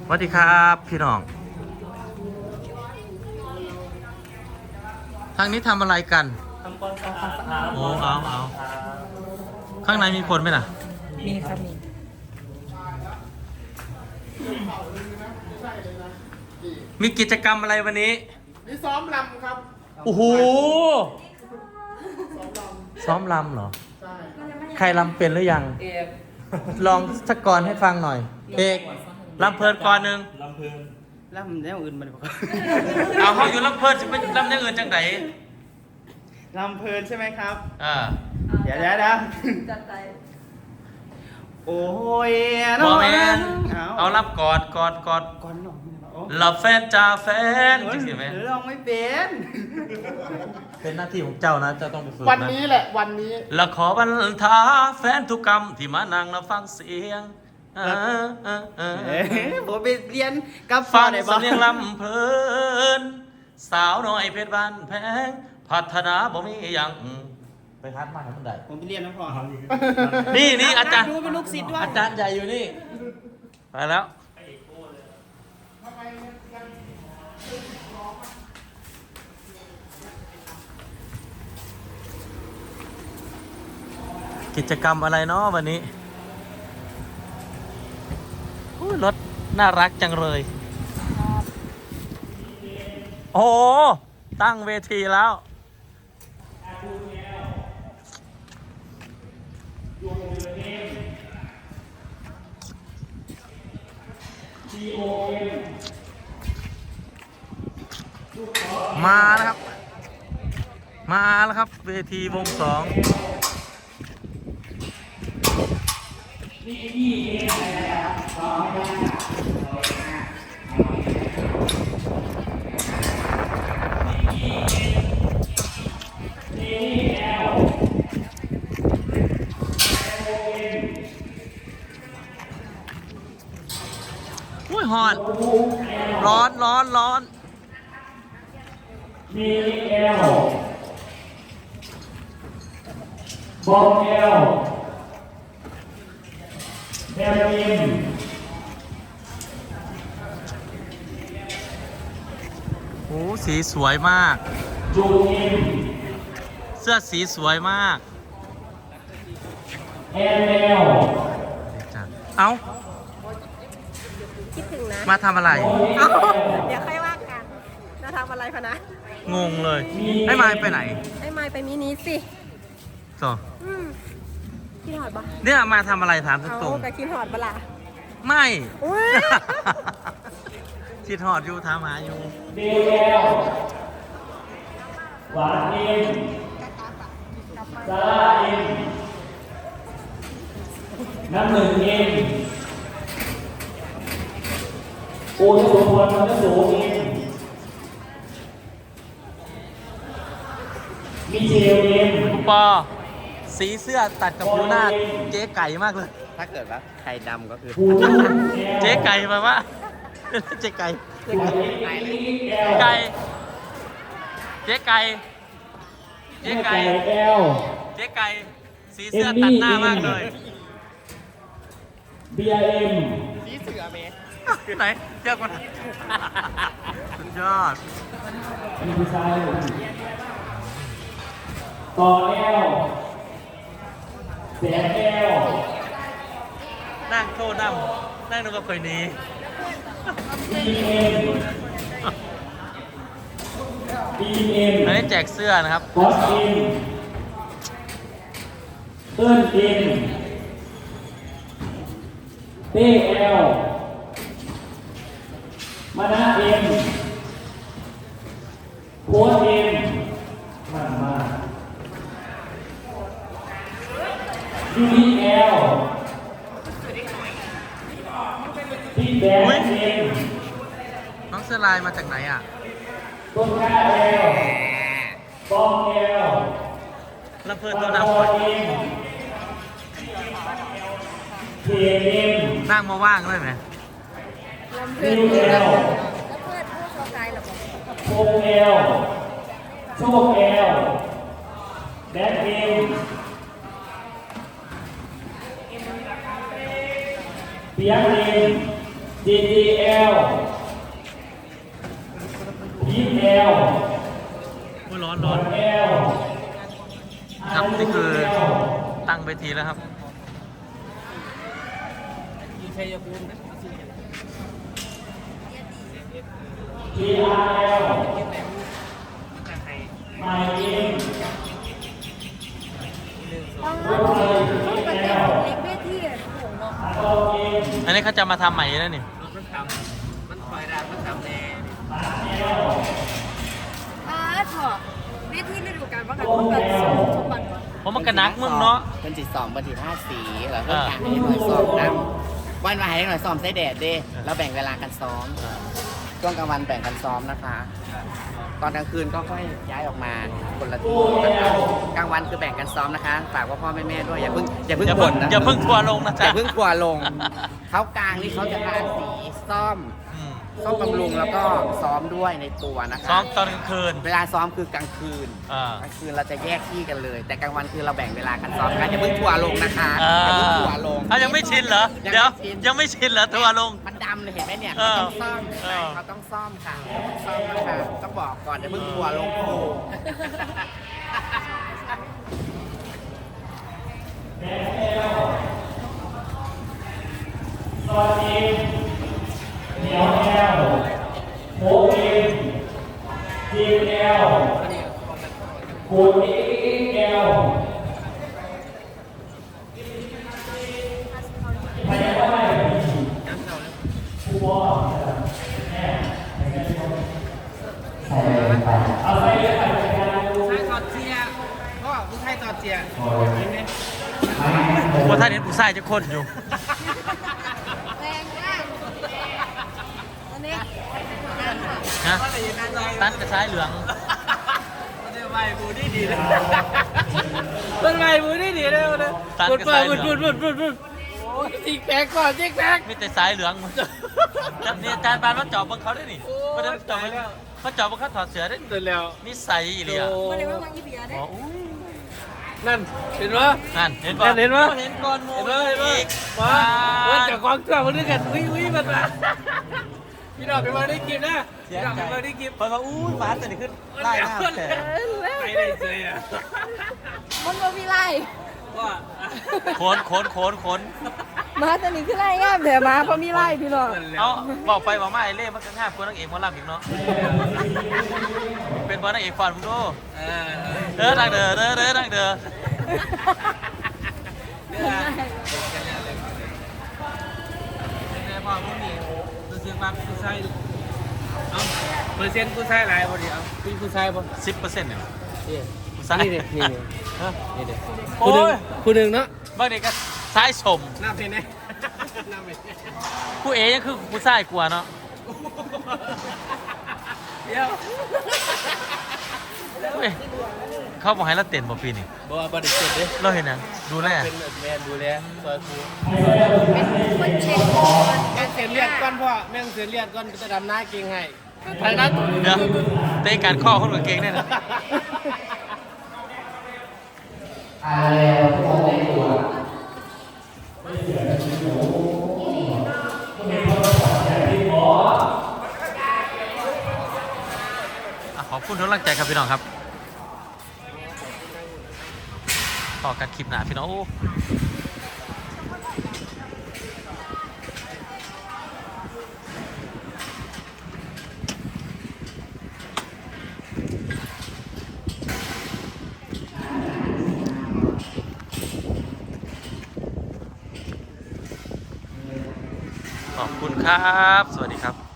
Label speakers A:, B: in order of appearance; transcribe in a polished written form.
A: วัสดีครับพี่น้องทางนี้ทำอะไรกัน
B: ทำความสะอาด
A: โอ้เอาข้างในมีคนไหมล่ะ
C: มีครับมี
A: มีกิจกรรมอะไรวันนี้
D: นี่ซ้อมลำครับ
A: โอ้โหซ้อมลำเหรอ
D: ใช่
A: ใครลำเป็นหรือยัง
C: เอก
A: ลองสักกรให้ฟังหน่อยเอกลำเพลินก่อนหนึ่ง
B: ลำเพลิน
C: แล้วมันได้อื่นมาดีกว่า
A: เอาเขาอยู่ลำเพลินจะไปลำอย่างอื่นจังไหน
C: ลำเพลินใช่ไหมครับ
A: อ่า
C: เดี๋ยวจัดใจโอ้ย
A: บอแมนเอารับกอด
C: ก่อนหน่อย
A: หลับแฟนจ่าแฟนจริงไหม
C: ลองไม่เป็น
A: เป็นหน้าที่ของเจ้านะเจ้าต้องไปฝึกนะ
D: วันนี้แหละวันนี้
A: และขอบรรทาแฟนทุกกรรมที่มานั่งและฟังเสียง
C: ผมไปเรียนกับ
A: ฟัง
C: ได้บ้า
A: สำเนียงลำเพลินสาวน้อยเพชรบ้านแพงพัฒนาบ่มีอย่างไปคัดมาให้มันได้
C: ผมไปเรียนนะพ่อ
A: นี่อาจารย์
C: ดูเป็นลูกศิษย์ด้วย
A: อาจารย์ใหญ่อยู่นี่ไปแล้วกิจกรรมอะไรเนาะวันนี้รถน่ารักจังเลย โอ้โหตั้งเวทีแล้ว มาแล้วครับ มาแล้วครับ เวทีวงสองอุ้ยฮอนร้อน
B: มีเอลบอมเอลเฮโรอีน
A: โอ้สีสวยมาก
B: จูอิน
A: เสื้อสีสวยมาก
B: เอลเอล
A: เอา
E: คิดถึงนะ
A: มาทำอะไร
E: เอาเดี๋ยวค่อยว่ากันจะทำอะไรพะนะ
A: งงเลย ให้มายไปไหน
E: ให้มายไปมินิสิ
A: ต่อ
E: คิดหอดปะ
A: เนี่ยมาทำอะไรถามต
E: เอา
A: รง
E: ไปคิดหอดปะล่ะ
A: ๆไม่
E: อุ้ย
A: ชิดหอดอยู่ถามหาอยู่
B: เดลเอลหวานเอ็มซาร่าเอ็มน้ำหนึ่งเอ็มโอ้ยสุพรมันจะสูงเอ็มมิเชลเอ็ม
A: คุณปอ สีเสื้อตัดกับผิวหน้าเจ๊ไก่มากเลย
C: ถ้าเกิดว่าใครดำก็คือ
B: หู
A: เจ๊ไก่มาว่าเจ๊ไก่ ไก่ เจ๊ไก่ เจ๊ไก่
B: เอล
A: เจ๊ไก่ สีเสื้อตัดหน้ามากเลย
B: บีเอ็ม
C: สีเสือเม
A: ไหนเจ้าคนสุดยอด
B: อันนี้ผู้ชายต่อเอลแสนเอล
A: นั่งโทษนั่งดูกับคนนี้
B: บีเอ็มบีเอ็ม
A: อันนี้แจกเสื้อนะครับ
B: บอสเอ็มเติ้ลเอ็มเต้เอลมานะเอ็มโค้ชเอ็มมายูดีเอลพี่แบงค์เอ็ม
A: น้องเสื้อลายมาจากไหนอ่ะ
B: ต้นกล้าเอลบอมเอล
A: ลำเพลิน
B: ปั
A: ตัว
B: ง
A: ดำ
B: ปอเอ็มเทียเอ็ม
A: นั่งมาว่างเลยไหม
E: ลำเพื่อน
B: นิวเอล
E: แล้วเพื่อนผู้เข้าใจหรอ
B: โคงเอลโชคเอลแดนเอลเปียกเอล GGL พีท L
A: โอ้ยร้อนร้อน
B: L
A: ครับนี่คือตั้งเวทีแล้วครับ
B: GRL ไม่เอง
A: อันนี้เขาจะมาทำใหม่แล้วนี่
E: ถอดเวทีฤดูกาลว่ากันต้องแบบสมบัติ
A: เพราะมันกระนักมึงเนาะ
C: เป็นจิต2เป็นจิต5สีแล้วก็การให้หน่วยซ้อมนำวันมาให้หน่วยซ้อมใส่แดดดิแล้วแบ่งเวลากันซ้อมช่วงกลางวันแบ่งกันซ้อมนะคะ ตอนกลางคืนก็ค่อยย้ายออกมาคนละที่นะคะกลางวันคือแบ่งกันซ้อมนะคะฝากว่าพ่อแม่ด้วยอย่าเพิ่งบ่นนะ
A: อย่าเพิ่งทัวร์ลงนะ
C: อ
A: จ๊ะ
C: ย่าเพิ่งกลัวลงเขากลางนี่เขาจะทาสีส้ม
A: อืม
C: ส้มบำรุงแล้วก็ซ้อมด้วยในตัวนะคะ
A: ซ้อมตอนกลางคืน
C: เวลาซ้อมคือกลางคืน
A: อ่าก
C: ลางคืนเราจะแยกที่กันเลย แต่กลางวันคือเราแบ่งเวลากันซ้อมกันอย่าเพิ่งทัวร์ลงนะคะ
A: อ่า
C: อย่าเพิ่งทัวร์ลง
A: อ่ะยังไม่ชินเหรอ เดี๋ยว ยังไม่ชินเหรอทัวร์ลง
C: มันดำเลยเห็นไหมเนี่ย
A: เอ
C: เขา
A: อ
C: ต้องซ่อม
A: เออ
C: เขาต้องซ่อมค่ะซ่อมนะคะต้องบอกก่อนอย่าเพิ่งทัวร์ลงครู
B: ตอนเองเหนียวแอลโคเองจีแอลคูณอีแอลพยาบาลผู้ว่าแม่ใส่ไปเอาใส่เลยไปจัดการดู
C: ใช่ตอดเจียก็ผู้ชายตอดเจีย
A: ว่าท่านเห็นผู้ชายจะคนอยู่
E: แรงมากอันนี้
A: นะตั้นกระชายเหลือง
C: ต้นไม้บูนี่ดีเลยต้นไม้บูนี่ดีเลย
A: ตั้นกระชายเหลือง
C: จิกแพกก่อนจิกแพก
A: มีแต่สายเหลืองจับเนี่ยอาจารย์ปานว่าจอบบังเขาได้นี่ว่าจะจอบเขาจอบบังเขาถอดเสื้อได้
C: เสร็จแล้ว
A: นิสัยอีเลีย
E: ไม่ได้ว่ามังยี่เบียร์ได้
A: อ๋ออุ้ย
C: นั่นเห็นปะ
A: นั่นเห็นปะ
C: เห็นปะ
A: เห็นก่อนโม
C: เห็นปะ
A: อีก
C: มาว่าจากความเชื่อมาด้วยกันวิมันมาพี่ดอกเป็นมาได้กินนะพี่ดอกเป็นมาได้กิน
A: เพราะว่าอุ้ยฟ้าแต่นี่ขึ้นไล่หน้าแต่
C: ไปได้เลยอ่ะ
E: มันมามีไร
C: ว่า
A: ขน
E: มาแต่นี่คือไรงามแต่มาเพราะมีไรพี่น้อง
A: เอาบอกไปบอกมาไอ้เล่มันก็ง่ายกว่านางเอกหมอลำอีกเนาะเป็นบอลนางเอกฟอนมึงดูดังเด้อดังเด้อ
C: พ่อมึงนี่รู้สึกว่าผู้ชายเอาเปอร์เซ็นต์ผู้ชายหลายบ่ดิเอาพี่ผู้ชายบ่
A: 10%เนี่ยผู้ชาย
C: นี่เด็กนี่ฮะนี่เด็ก
A: โอ้ย
C: ผู้หนึ่งเนาะ
A: บางเด็กก็ซ้ายสม
C: น้ำเพนเนี่ยน้ำเพน
A: ผู้เอยังคือผู้ชายกลัวเนาะ
C: เดี๋ยว
A: เฮ้ยเขาบอกให้เราเต้นบ่ปีนี่
C: บ่บ่ได้เสร็จเด้
A: เราเห็นนะดูแล
C: เป็นแมนดูแลซอยครู
E: คนเช็ค
C: แม่งเสียเลือดก่อนพ่อแม่งเสียเลือดก่อนจะดำหน้าเก่งให้ไปนะ
A: เดี๋ยวเตะการข้อคนกับเก่งแน่นะ ขอบคุณทุกกำลังใจครับพี่น้องครับ ต่อกันคลิปหน้าพี่น้องโอ้ขอบคุณครับ สวัสดีครับ